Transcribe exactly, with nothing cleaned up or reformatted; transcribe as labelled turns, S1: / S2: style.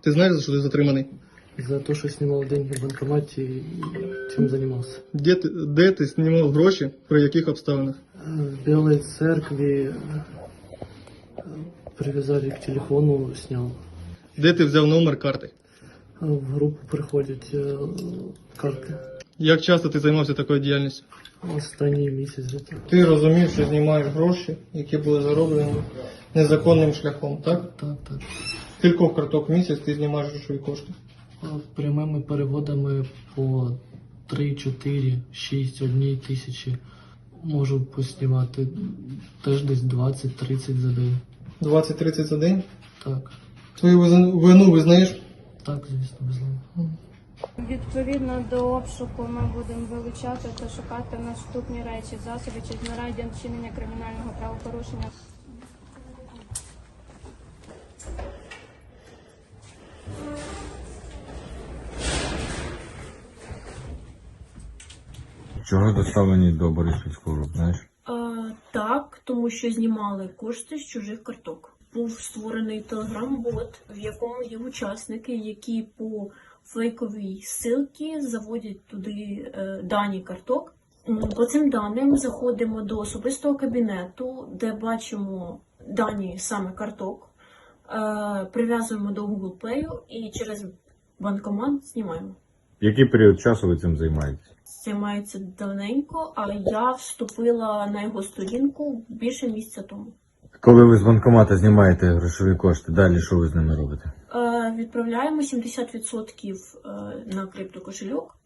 S1: Ты знаешь, за что ты затриманий?
S2: За то, что снимал деньги в банкомате и чем занимался.
S1: Де ти, де ти знімав гроші, при яких обставинах?
S2: В Белой церкви э, привязали к телефону, снял.
S1: Де ти взяв номер карти?
S2: А в группу приходят э, карты.
S1: Як часто ти займався такою діяльністю?
S2: Останній місяць где-то.
S1: Ти розумів, що знімаєш гроші, які були зароблені незаконним шляхом, так?
S2: Так, так.
S1: Кількох карток в місяць ти знімаєш грошові кошти?
S2: А прямими переводами по три, чотири, шість, одній тисячі можу поснімати теж десь двадцять-тридцять за день.
S1: двадцять-тридцять за день?
S2: Так,
S1: Твою визна- вину визнаєш?
S2: так, звісно, безумовно.
S3: Відповідно до обшуку ми будемо вилучати та шукати наступні речі, засоби чи знаряддя вчинення кримінального правопорушення.
S4: Чого доставлені до Бориспільського РУП, знаєш?
S5: А, так, тому що знімали кошти з чужих карток. Був створений телеграм-бот, в якому є учасники, які по фейковій ссылці заводять туди е, дані карток. М, По цим даним заходимо до особистого кабінету, де бачимо дані саме карток, е, прив'язуємо до Google Play і через банкомат знімаємо.
S4: Який період часу ви цим займаєтесь?
S5: Займається давненько, а я вступила на його сторінку більше місяця тому.
S4: Коли ви з банкомата знімаєте грошові кошти, далі що ви з ними робите?
S5: Е, відправляємо сімдесят відсотків е, на криптокошельок,